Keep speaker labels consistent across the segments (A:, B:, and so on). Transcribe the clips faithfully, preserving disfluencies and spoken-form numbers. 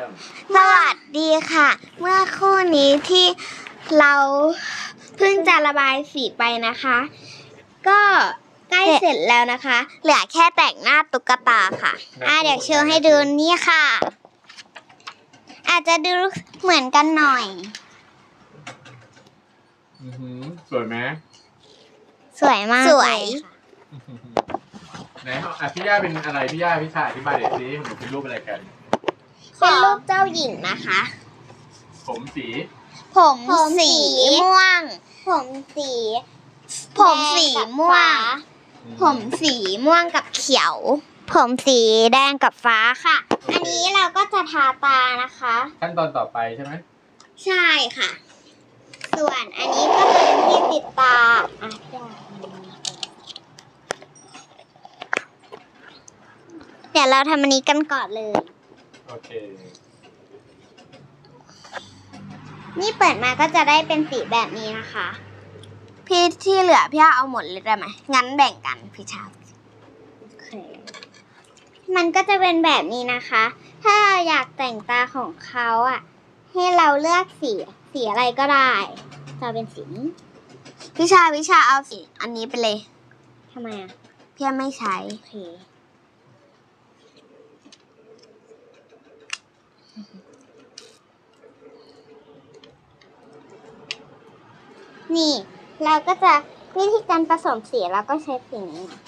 A: ม
B: สวัสดีค่ะเมื่อครู่นี้ที่เราเพิ่งจะระบายสีไปนะคะก็ใกล้เสร็จแล้วนะคะเหลือแค่แต่งหน้าตุ๊กตาค่ะอ่ะเดี๋ยวโชว์ให้ดูนี่ค่ะ อาจจะดูเหมือนกันหน่อย
A: อือหือสวยไหม
B: สวยมากสวย
A: ไหนอ่ะพี่ย่าเป็นอะไรพี่ย่าพี่ชายอธิบายเดี๋ยวสิหนูเป็นรูปอะไรกัน
B: เป็นรูปเจ้าหญิงนะคะ
A: ผมสี
B: ผมสีม่วง ผมสี ผมสีม่วง ผมสีม่วงกับเขียว ผมสีแดงกับฟ้าค่ะ อันนี้เราก็จะทาตานะคะ
A: ขั้นตอนต่อไปใช่ไหม
B: ใช่ค่ะ ส่วนอันนี้ก็จะเป็นที่ติดตาอ่ะเดี๋ยวเราทำอันนี้กันก่อนเลย
A: โอเค
B: นี่เปิดมาก็จะได้เป็นสีแบบนี้นะคะพี่ที่เหลือพี่เอาหมดเลยได้ไหมงั้นแบ่งกันพี่ชาโอเคมันก็จะเป็นแบบนี้นะคะ ถ้าเราอยากแต่งตาของเขาอ่ะให้เราเลือกสีสีอะไรก็ได้จะเป็นสีนี้พี่ชาพี่ชาเอาสีอันนี้ไปเลยทำไมอ่ะพี่ไม่ใช้โอเคนี่เราก็จะวิธีการผสมสีเราก็ใช้สีนี้นะ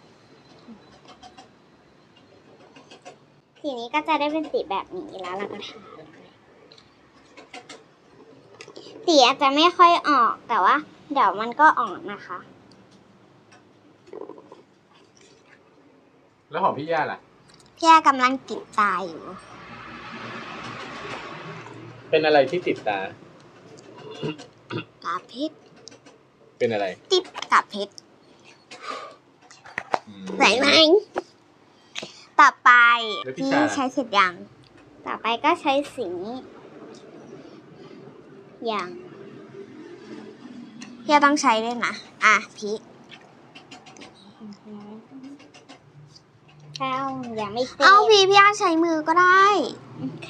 B: สีนี้ก็จะได้เป็นสีแบบนี้แล้วเราก็ทาสีอาจจะไม่ค่อยออกแต่ว่าเดี๋ยวมันก็ออกนะคะ
A: แล้วของพี่ย่าล่ะ
B: พี่ย่ากำลังติดตาอยู่
A: เป็นอะไรที่ติดตา
B: กาเพชร
A: เป็นอะไร
B: ติดกาเพชรไหนไหมต่อไปพี่ใช้เสร็จยังต่อไปก็ใช้สีอย่างพี่ต้องใช้ด้วยนะอ่ะพี่เอาอย่าไม่เเอาพี่พี่ใช้มือก็ได้โอเค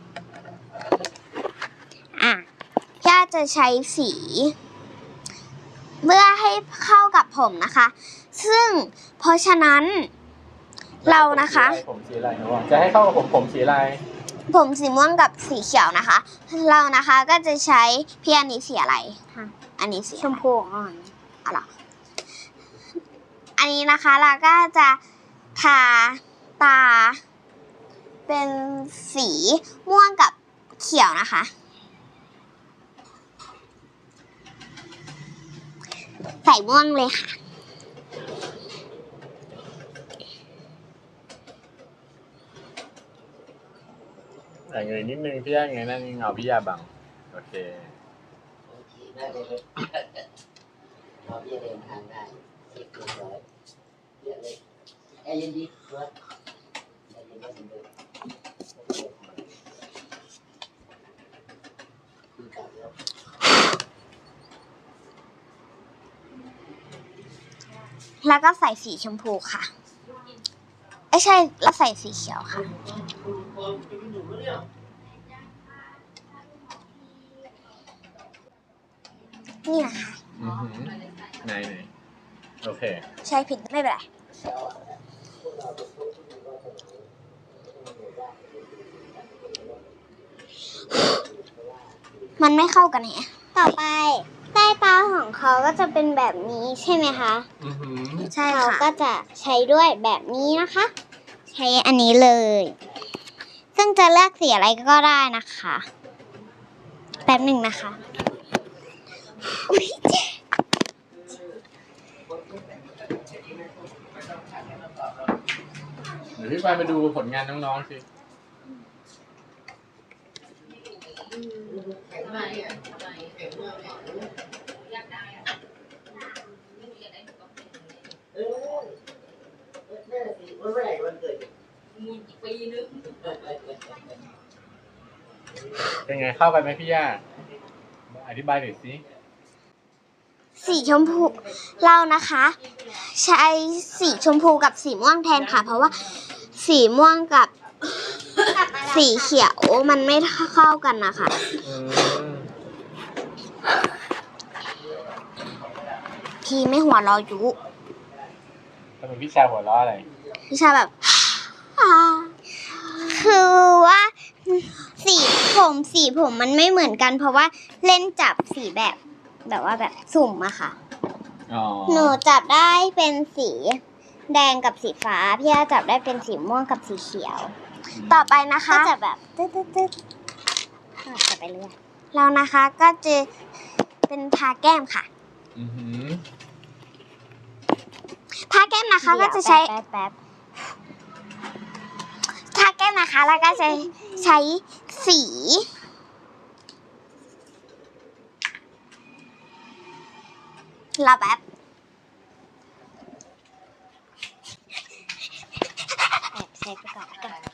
B: อ่ะพี่จะใช้สีเพื่อให้เข้ากับผมนะคะซึ่งเพราะฉะนั้นเรานะคะ
A: ผมสีอะไรจะให้เข้ากับผมผมสีอะไร
B: ผมสีม่วงกับสีเขียวนะคะเรานะคะก็จะใช้พี่อันนี้สีอะไรอันนี้สีชมพูอ่อนอะไรอันนี้นะคะเราก็จะทาตาเป็นสีม่วงกับเขียวนะคะใส่ม่วงเลยค่ะ
A: แต่เงยนิดนึงพี่ย่าเงยนั่นเงาพี่ย่าบังโอเค
C: โอเคได้เลยเราพี่เดินทางได้เรียบร้อยเรียบเลยไอ้ยินดีด้วยไอ้ยินดีเหมือนเดิม
B: แล้วก็ใส่สีชมพูค่ะไม่ใช่แล้วใส่สีเขียวค่ะนี่นะคะ
A: ไหนไหนโอเค
B: ใช้ผิดไม่เป็นไรมันไม่เข้ากันแฮะต่อไปใต้ตาของเขาก็จะเป็นแบบนี้ใช่ไหมคะ
A: อือหือ
B: ใช่ค่ะเขาก็จะใช้ด้วยแบบนี้นะคะใช้อันนี้เลยซึ่งจะเลือกสีอะไรก็ได้นะคะแป๊บหนึ่งนะคะ
A: เดี๋ยวพี่ไปมาดูผลงานน้องๆสิเป็นไงเข้ากันไหมพี่ย่าอธิบายหน่อยสิ
B: สีชมพูเรานะคะใช้สีชมพูกับสีม่วงแทนค่ะเพราะว่าสีม่วงกับสีเขียวมันไม่เข้ากันนะคะ
A: อืม
B: พี่ไม่หัวเราะยุ
A: ทำไมพี่ชายหัวเราะอะไร
B: พี่ชาแบบ คือว่าสีผมสีผมมันไม่เหมือนกัน เพราะว่าเล่นจับสีแบบ แบบว่าแบบสุ่มอะค่ะ
A: อ๋อ
B: หนูจับได้เป็นสีแดงกับสีฟ้า พี่อาจับได้เป็นสีม่วงกับสีเขียว ต่อไปนะคะก็จะแบบตึ๊ดตึ๊ดตึ๊ดจับไปเรื่อยแล้วนะคะก็จะเป็นทาแก้มค่ะ
A: อือหือ
B: ทาแก้มนะคะก็จะใช้
C: แป๊บ
B: ทาแก้มนะคะแล้วก็จะใช้สีรอแป๊บ
C: แอบใช้ไปก่อนแล้วกัน